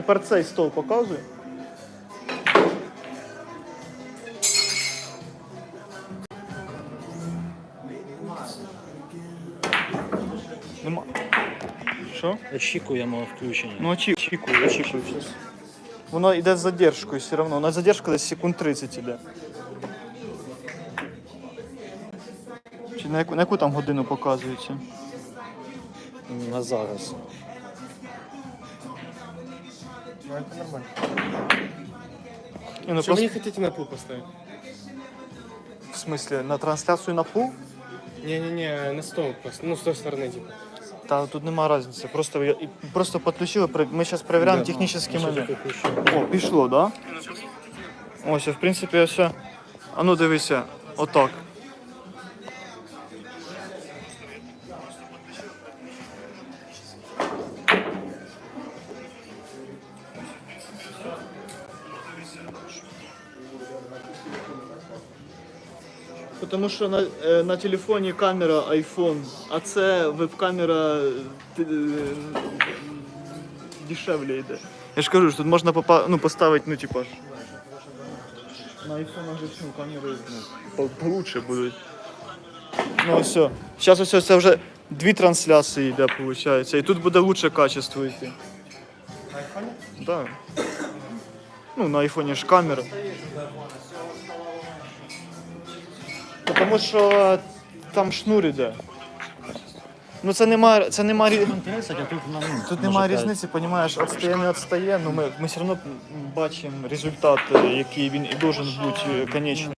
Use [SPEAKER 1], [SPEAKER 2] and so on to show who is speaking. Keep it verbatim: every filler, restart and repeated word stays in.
[SPEAKER 1] тепер цей стол показуй. Нема. Що?
[SPEAKER 2] Очікуємо включення.
[SPEAKER 1] Ну очікую, очікую зараз. Воно йде з задержкою все одно. У нас задержка десь секунд тридцять іде. Чи на яку, на яку там годину показується?
[SPEAKER 2] На зараз.
[SPEAKER 3] Ну, это нормально.
[SPEAKER 1] Ні, ну,
[SPEAKER 3] Что вы
[SPEAKER 1] просто,
[SPEAKER 3] не хотите на пул поставить?
[SPEAKER 1] в смысле, на трансляцію на пул?
[SPEAKER 3] Не-не-не, на стол просто. Ну, с той стороны, типа.
[SPEAKER 1] Та тут нема різниці. Просто, я- і- просто підключили, при- ми зараз перевіряємо
[SPEAKER 3] Да.
[SPEAKER 1] технічні
[SPEAKER 3] Що
[SPEAKER 1] моменти.
[SPEAKER 3] таке включено?
[SPEAKER 1] О, пішло, да? Ось, в принципі, все. А ну дивися, отак. Тому що на, е, на телефоні камера iPhone, а це веб-камера е, т- е, дешевле йде. Я ж кажу, що тут можна попа- ну, поставити, ну типа ж. На iPhone же ну, камери ну, по- получше будуть. Ну все. Зараз ось це вже дві трансляції йде, виходить. І тут буде лучше качество йти.
[SPEAKER 3] На айфоне?
[SPEAKER 1] Да. Ну, на айфоні ж камера. Тому що там шнур іде. Ну це нема, це нема, рі-
[SPEAKER 2] тридцять, а тут на ну,
[SPEAKER 1] тут
[SPEAKER 2] може,
[SPEAKER 1] немає
[SPEAKER 2] п'ять.
[SPEAKER 1] різниці, розумієш, відстає, не відстає, ну ми, ми все одно бачимо результат, який він і должен бути конечний.